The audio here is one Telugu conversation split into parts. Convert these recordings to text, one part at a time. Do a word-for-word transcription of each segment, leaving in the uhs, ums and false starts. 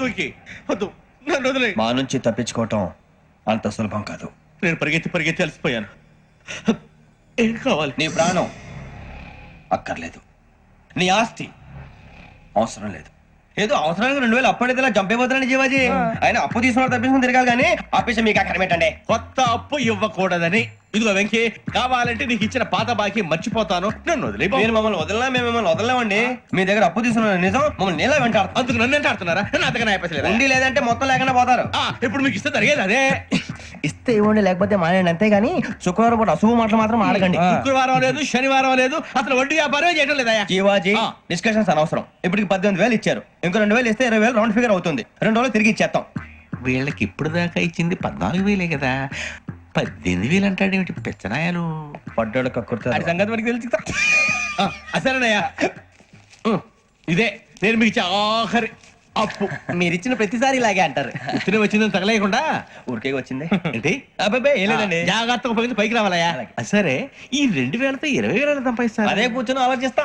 వద్దు వెంకీ వద్దు, నన్ను వదిలే. మా నుంచి తప్పించుకోవటం అంత సులభం కాదు. నేను పరిగెత్తి పరిగెత్తి అలసిపోయాను. ఏం కావాలి? నీ ప్రాణం అక్కర్లేదు, నీ ఆస్తి అవసరం లేదు. ఏదో అవసరానికి రెండు వేలు అప్పటిదిలా చంపేపోతున్నాడు జీవాజీ. ఆయన అప్పు తీసుకున్న తప్పించుకుని తిరగాలి కానీ ఆపేసి మీకు అక్కడ పెట్టండి. కొత్త అప్పు ఇవ్వకూడదని. ఇదిగో వెంకీ, కావాలంటే నీకు ఇచ్చిన పాత బాకీ మర్చిపోతాను, నన్ను వదిలే. మీరు మమ్మల్ని వదలనా? మేము మిమ్మల్ని వదలలేమండి. మీ దగ్గర అప్పు తీసుకున్న నిజం మమ్మల్ని నీలా వెంటాడుతుంది. అందుకు నన్ను ఎంత ఆడుతున్నారా? నన్ను అంతగా అయిపోలేదు. ఉండి లేదంటే మొత్తం లేకుండా పోతారు. ఇప్పుడు మీకు ఇస్తే జరిగేది అదే. ఇస్తే ఇవ్వండి, లేకపోతే మానేయండి, అంతేగాని శుక్రవారం పూట అశుభ మాటలు మాత్రం ఆడకండి. శుక్రవారం లేదు, శనివారం లేదు, అసలు వడ్డీ వ్యాపారం చేయడం లేదా? జీవాజీ డిస్కషన్స్ అనవసరం. ఇప్పటికి పద్దెనిమిది వేలు ఇచ్చారు, ఇంకో రెండు వేలు ఇస్తే ఇరవై వేలు రౌండ్ ఫిగర్ అవుతుంది. రెండు రోజులు తిరిగి ఇచ్చేస్తాం. వీళ్ళకి ఇప్పుడు దాకా ఇచ్చింది పద్నాలుగు వేలే కదా, పద్దెనిమిది వేలు అంటాడేమిటి పిచ్చనాయాలు? పడ్డాడు కక్కుర్తాడు సంగతి మనకి తెలుసు. అసలేనయ్యా, ఇదే నేను మీకు ఇచ్చే ఆఖరి అప్పు. మీరు ఇచ్చిన ప్రతిసారి ఇలాగే అంటారు. ఇతనే వచ్చిందని తగలేయకుండా ఊరికే వచ్చింది ఏంటి? అబ్బాయి ఏం లేదండి, జాగ్రత్తగా ఉపయోగించి పైకి రావాలయ్యా. సరే, ఈ రెండు వేలతో ఇరవై వేల సంపాదిస్తారు. అదే కూర్చొని ఆలోచిస్తాం.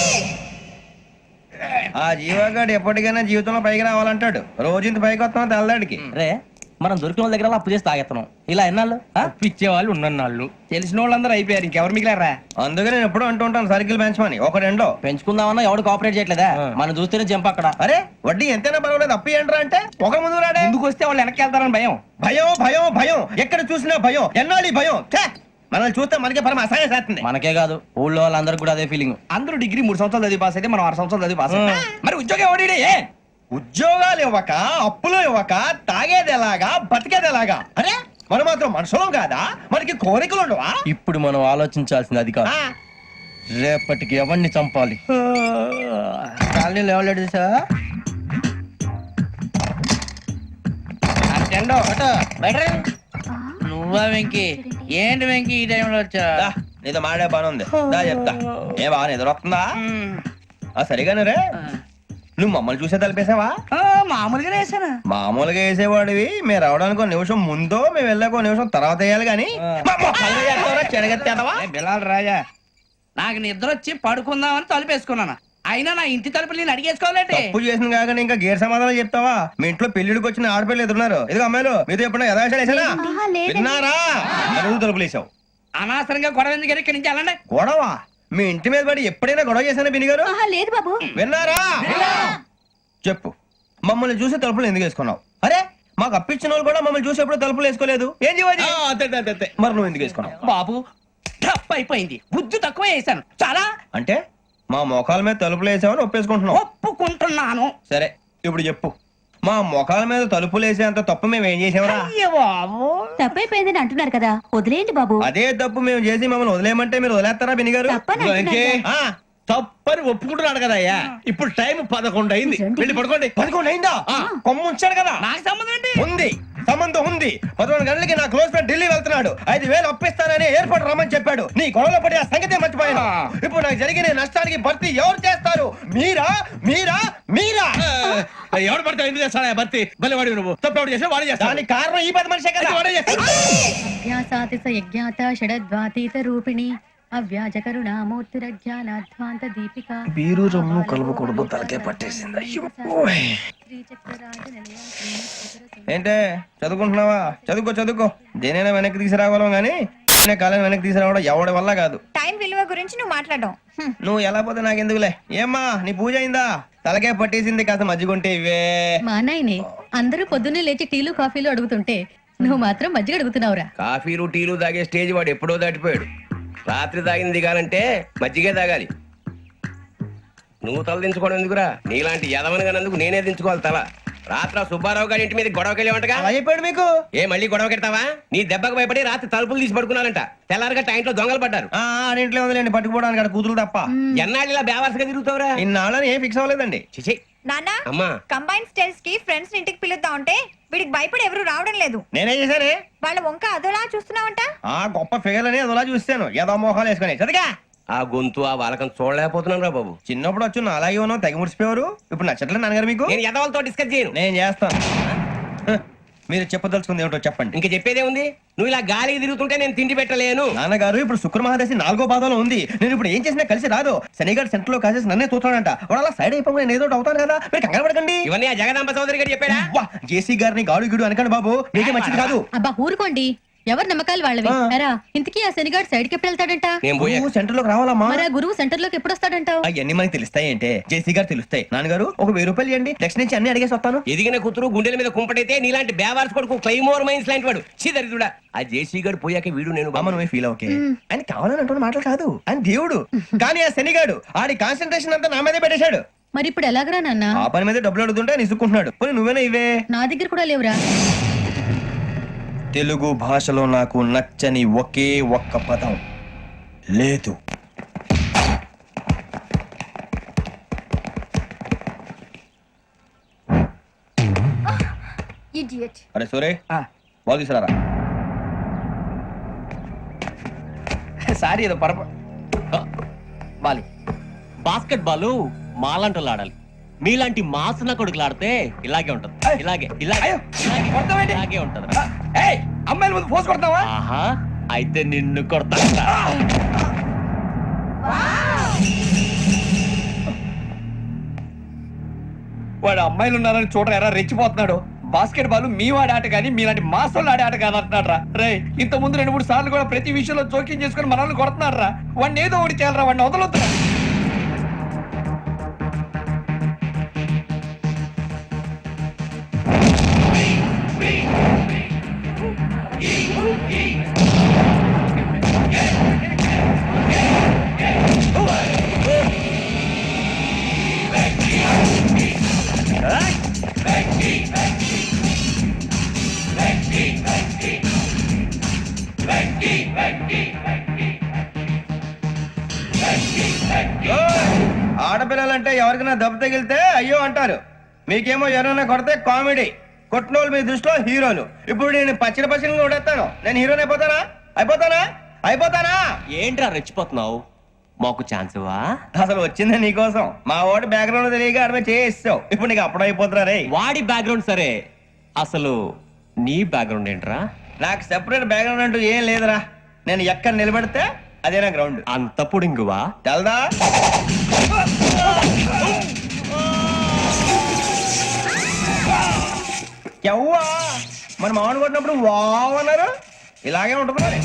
ఆ జీవగాడు ఎప్పటికైనా జీవితంలో పైకి రావాలంటాడు. రోజు ఇంత పైకి వస్తాం తెల్లడికి. రే, మనం దొరికిన వాళ్ళ దగ్గర అప్పు చేసి తాగెత్తనం. ఇలా ఎన్నాళ్ళు ఇచ్చే వాళ్ళు ఉన్నన్నాళ్ళు తెలిసిన వాళ్ళందరూ అయిపోయారు, ఇంకెవరు మిగిలారా? అందుకే నేను ఎప్పుడు అంటూ ఉంటాను సర్కిల్ బెంచ్ మని. ఒక రెండో పెంచుకుందామన్నా ఎవడు కోఆపరేట్ చేయట్లేదా? మనం చూస్తేనే జంప్ అక్కడ. అరే వడ్డీ ఎంతైనా పర్వాలేదు, అప్పు ఏంట్రా అంటే ఒక ముందు రాడే. ముందుకు వస్తే వాళ్ళు వెనక్కి వెళ్తారని భయం. భయం భయం భయం ఎక్కడ చూసినా భయం. ఎన్నాళ్ళు భయం? మనల్ని చూస్తే మనకే పరమ అసహాయం చేస్తుంది. మనకే కాదు, ఊళ్ళో వాళ్ళందరికీ కూడా అదే ఫీలింగ్. అందరూ డిగ్రీ మూడు సంవత్సరాలు చదివి పాస్ అయితే మనం ఆరు సంవత్సరాలు చదివి పాస్ అయ్యాం. మరి ఉద్యోగం ఎవడి? ఉద్యోగాలు ఇవ్వక, అప్పులు ఇవ్వక, తాగేది ఎలాగా, బతికేది ఎలాగా? అరే మనం మాత్రం మనుషులం కాదా? మనకి కోరికలు ఉండవా? ఇప్పుడు మనం ఆలోచించాల్సింది అది కాదు, రేపటికి ఎవరిని చంపాలి. కాలనీలో ఎవరు సార్? నువ్వా వెంకీ? ఏంటి వెంకీ ఈ టైంలో వచ్చా? నీతో మాడే పని ఉంది, దా చెప్తా. ఏ బాగా నిద్రొస్తుందా? సరిగానే రే, నువ్వు మమ్మల్ని చూసే తలిపేసావా? మామూలుగానే వేసానా? మామూలుగా వేసేవాడివి. మేము రావడానికి ఒక నిమిషం ముందో మేము వెళ్ళాక ఒక నిమిషం తర్వాత వేయాలి కానీ బిలాల్ రాజా, నాకు నిద్ర వచ్చి పడుకుందామని తలుపేసుకున్నాను. అయినా నా ఇంటి తలుపులు నేను అడిగేసుకోవాలంటే తప్పు చేసిన కాక ఇంకా గేర్ సమాధానం చెప్తావా? మీ ఇంట్లో పెళ్లిడికి వచ్చిన ఆడపిల్లలు ఎదురున్నారు. ఇది అమ్మాయిలు మీతో ఎప్పుడైనా యథాశాలు వేసానా? విన్నారా? అడుగు తలుపులు వేసావు. అనవసరంగా గొడవ ఎందుకు ఇక్కడి నుంచి వెళ్ళండి. గొడవ? మీ ఇంటి మీద పడి ఎప్పుడైనా గొడవ చేశానా బిని గారు? లేదు బాబు. విన్నారా? చెప్పు, మమ్మల్ని చూసి తలుపులు ఎందుకు వేసుకున్నావు? అరే మాకు అప్పించిన వాళ్ళు కూడా మమ్మల్ని చూసి ఎప్పుడు తలుపులు వేసుకోలేదు. ఏం చేయాలి? మరి నువ్వు ఎందుకు వేసుకున్నావు? బాబు టప్ అయిపోయింది, బుద్ధి తక్కువ వేసాను చాలా. అంటే మా మోకాల మీద తలుపులు వేసామని ఒప్పేసుకుంటున్నావు? ఒప్పుకుంటున్నాను. సరే ఇప్పుడు చెప్పు, మా మొఖాల మీద తలుపులు వేసేంత తప్పు మేము ఏం చేసామరా? తప్పైపోయిందని అంటున్నారు కదా, వదిలేయండి బాబు. అదే తప్పు మేము చేసి మమ్మల్ని వదిలేయమంటే మీరు వదిలేస్తారా బిని గారు? తప్పని ఒప్పుకుంటున్నాడు కదా అయ్యా. ఇప్పుడు టైం పదకొండు అయింది, వెళ్ళి పడుకోండి. పదకొండు అయిందా? కొమ్ము ఉంచాడు కదా. నాకు సంబంధం ఏంటి? ఉంది, సంబంధం ఉంది. పదకొండు గంటలకి నా క్లోజ్ ఫ్రెండ్ ఢిల్లీ వెళ్తున్నాడు. ఐదు వేలు అప్పిస్తానని ఎయిర్పోర్ట్ రమ్మని చెప్పాడు. నీ గొడవలో పడి ఆ సంగతే మర్చిపోయాను. ఇప్పుడు నాకు జరిగిన నష్టానికి భర్తీ ఎవరు చేస్తారు? మీరా మీరా మీరా? ఎవడు పడితే ఎందుకు చేస్తాడా భర్తీ? మళ్ళీ వాడి నువ్వు తప్పు చేసా వాడే చేస్తా. దానికి కారణం ఈ పది మనిషే కదా. వాడే చేస్తాడు. యజ్ఞాత షడద్వాతీత రూపిణి అవ్యాజ కరుణామూర్తిరజ్ఞానాధ్వాంత దీపిక. బీరు రమ్ము కలుపుకూడదు, తలకే పట్టేసింది. ఏంటే చదువుకుంటున్నావా? చదువుకో చదువుకో. దేనైనా వెనక్కి తీసుకురావాలం గానీ కాలం వెనక్కి తీసుకురావడం ఎవడి వల్ల కాదు. టైం విలువ గురించి నువ్వు మాట్లాడడం నువ్వు ఎలా పోతే నాకు ఎందుకులే. ఏమ్మా నీ పూజ అయిందా? తలకే పట్టేసింది, కాస్త మజ్జిగుంటే ఇవే. మా నాయనే అందరూ పొద్దున్నే లేచి టీలు కాఫీలు అడుగుతుంటే నువ్వు మాత్రం మజ్జిగ అడుగుతున్నావురా. కాఫీలు టీలు తాగే స్టేజ్ వాడు ఎప్పుడో దాటిపోయాడు. రాత్రి తాగింది దిగాలంటే మజ్జిగే తాగాలి. నువ్వు తల దించుకోవడం ఎందుకురా? నీలాంటి యదవనగానందుకు నేనే దించుకోవాలి తల. రాత్ర సుబ్బారావు గారి ఇంటి మీద గొడవకి వెళ్ళేవంటగా. అలా చెప్పాడు మీకు? ఏ మళ్ళీ గొడవ కెడతావా? నీ దెబ్బకు భయపడి రాత్రి తలుపులు తీసి పడుకున్నారంట. తెల్లారగా టైంట్లో దొంగలు పడ్డారు. ఇంట్లో ఉందిలేండి, పట్టుకుపోవడానికి అక్కడ కూతురు తప్ప. ఎన్నాళ్ళు ఇలా బేవర్స్గా తిరుగుతావురా? ఇన్నాళ్ళని ఏం ఫిక్స్ అవ్వలేదండి. చిచి నాన్న, అమ్మా కంబైన్ స్టైల్స్ కి ఫ్రెండ్స్ ఇంటికి పిలుద్దాం అంటే వీడికి భయపడి ఎవరు రావడం లేదు. నేనేం చేశానే? వాళ్ళ వంక అదోలా చూస్తున్నావంట. ఆ గొప్ప ఫిగర్ అని అదోలా చూస్తాను. ఏదో మోహాలు వేసుకుని చదిగా ఆ గొంతు ఆ వాలకం చూడలేకపోతున్నాను రా బాబు. చిన్నప్పుడు వచ్చి నా అలాగే ఉన్నావు, తెగ ముడిచిపోయారు. ఇప్పుడు నచ్చట్లేదు నాన్నగారు మీకు? నేను యదవలతో డిస్కస్ చేయను. నేను చేస్తాను. మీరు చెప్పదలుచుకుంది ఏమిటో చెప్పండి. ఇంకా చెప్పేదే ఉంది. నువ్వు ఇలా గాలికి తిరుగుతుంటే నేను తిండి పెట్టలేను. నాన్నగారు ఇప్పుడు శుక్ర మహాదశి నాలుగో పాదంలో ఉంది. నేను ఇప్పుడు ఏం చేసినా కలిసి రాదు. శనిగారు సెంటర్ లో కాసేసి నన్నే చూస్తాడంట. వాడు అలా సైడ్ అయిపోయి నేను ఏదో ఒకటి అవుతాను కదా, మీరు కంగారు పడకండి. ఇవన్నీ ఆ జగదాంబ చౌదరి గారు చెప్పాడా? వా, జేసీ గారిని గాడు గిడు అనకండి బాబు, మీకే మంచిది కాదు. అబ్బా ఊరుకోండి, ఎవరి నమ్మకాలు వాళ్ళవి. ఆ. ఎరా ఇంతకీ ఆ శనిగాడు సైడ్ కి ఎప్పుడు వెళ్తాడంట? నేను పోయా. నువ్వు సెంటర్ లోకి రావాలమ్మా. మరి ఆ గురువు సెంటర్ లోకి ఎప్పుడు వస్తాడంటావు? అవన్నీ మనకి తెలుస్తాయి అంటే జేసీ గారు తెలుస్తాయి. నాన్నగారు ఒక వెయ్యి రూపాయలు ఇవ్వండి, నెక్స్ట్ నుంచి అన్ని అడిగేసి వస్తాను. ఎదిగిన కూతురు గుండెల మీద కుంపటైతే నీలాంటి బేవార్స్ కొడుకు క్లైమోర్ మైన్స్ లాంటి వాడు చీదరిదుడా. ఆ జేసీ గారు పోయాక వీడు నేను అమ్మ నువ్వే ఫీల్ ఓకే. ఆయన కావాలని అంటున్న మాటలు కాదు, ఆయన దేవుడు. కానీ ఆ శనిగాడు ఆడి కాన్సన్ట్రేషన్ అంతా నా మీదే పెట్టేశాడు. మరి ఇప్పుడు ఎలాగరా నాన్న? ఆ పని మీద డబ్బులు అడుగుతుంటే నిసుక్కుంటున్నాడు. పోనీ నువ్వేనా ఇవే? నా దగ్గర కూడా లేవురా. తెలుగు భాషలో నాకు నచ్చని ఒకే ఒక్క పదం లేదు. అరే సూరే, బాల్ తీసుకురారా. సారీ ఏదో పరప బాలి. బాస్కెట్ బాల్ మాలాంటి ఆడాలి. మీలాంటి మాసన కొడుకులు ఆడితే ఇలాగే ఉంటది. ఇలాగే ఇలాగే అయ్యో, ఇలాగే, కొడతావేంటి? ఇలాగే ఉంటది. ఏయ్, అమ్మాయిల ముందు ఫోర్స్ కొడతావా? ఆహా, అయితే నిన్ను కొడతా. వాడు అమ్మాయిలు ఉన్నారని చూడరా ఎరా రెచ్చిపోతున్నాడు. బాస్కెట్ బాల్ మీ వాడి ఆట కానీ మీలాంటి మాసోళ్ళు ఆడే ఆట కాదు అంటున్నాడు రా. రే, ఇంత ముందు రెండు మూడు సార్లు కూడా ప్రతి విషయంలో జోక్యం చేసుకుని మనల్ని కొడుతున్నాడు రా. వాడిని ఏదో ఒకటి చేయాలరా, వాడిని వదలొద్దు. ఆడపిల్లలంటే ఎవరికైనా దెబ్బ తగిలితే అయ్యో అంటారు, మీకేమో ఎవరైనా కొడితే కామెడీ. కొట్టినోళ్ళు మీ దృష్టిలో హీరోలు. ఇప్పుడు నేను పచ్చిన పచ్చిన కొడేస్తాను, నేను హీరోని అయిపోతానా? అయిపోతానా? అయిపోతానా? ఏంట్రా రెచ్చిపోతున్నావు? మాకు ఛాన్స్ ఇవ్వా? అసలు వచ్చిందే నీకోసం. మా ఓడి బ్యాక్గ్రౌండ్ తెలియక అడమే చేయిస్తావు. ఇప్పుడు నీకు అప్పుడు అయిపోతున్నా రే. వాడి బ్యాక్గ్రౌండ్ సరే, అసలు నీ బ్యాక్గ్రౌండ్ ఏంట్రా? నాకు సెపరేట్ బ్యాక్గ్రౌండ్ అంటూ ఏం లేదురా. నేను ఎక్కడ నిలబడితే అదే నా గ్రౌండ్. అంత పుడింగువా? తెల్దా? ఎవ్వా మన మామిడి కొట్టినప్పుడు వావ్ అన్నారు, ఇలాగే ఉంటుంది మరి.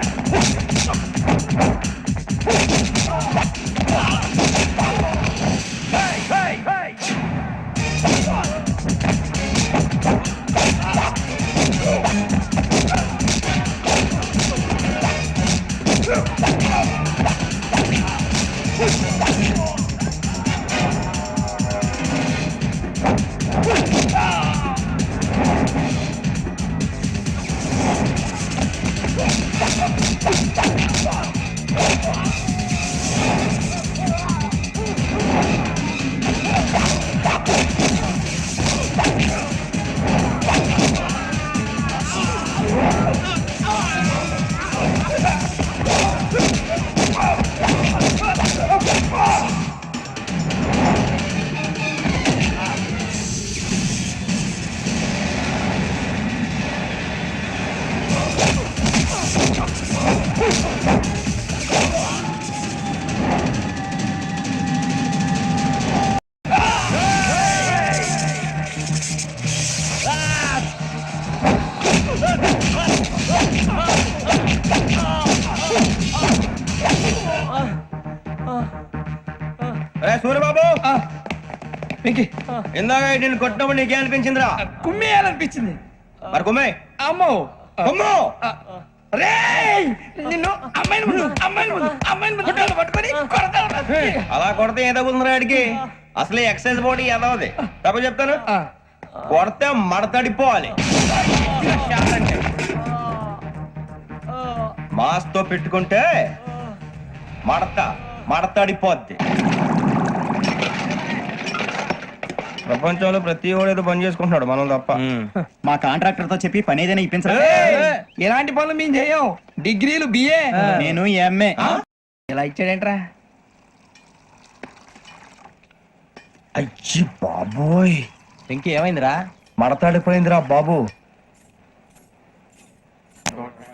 సూర్యబాబు, వెంకీ, ఇందాక నేను కొట్టినప్పుడు నీకే అనిపించిందిరా? కుమ్మేయాలనిపించింది. మరి కుమ్మే. అమ్మో కుమ్ము. రేయ్, నిన్ను అమ్మాయిల ముందు అమ్మాయిల ముందు అమ్మాయిల ముందు కొట్టాలి, పట్టుకొని కొడతాను. అలా కొడితే ఏదో కుదిరా ఆడికి. అసలే ఎక్సైజ్ బాడీ ఎదవది. తప్ప చెప్తాను, కొడితే మడతడిపోవాలి. మాస్ తో పెట్టుకుంటే మడత మడతడిపోద్ది. ప్రపంచంలో ప్రతి వాడు ఏదో పని చేసుకుంటున్నాడు, మనం తప్ప. మా కాంట్రాక్టర్ తో చెప్పి పని ఏదైనా ఇప్పించరా? ఇలాంటి పనులు మేము చేయం. డిగ్రీలు బిఏ, నేను ఎంఏ. ఇలా ఇచ్చాడేంట్రా? అయ్యి బాబోయ్, ఇంకేమైందిరా? మడతాడిపోయిందిరా బాబు.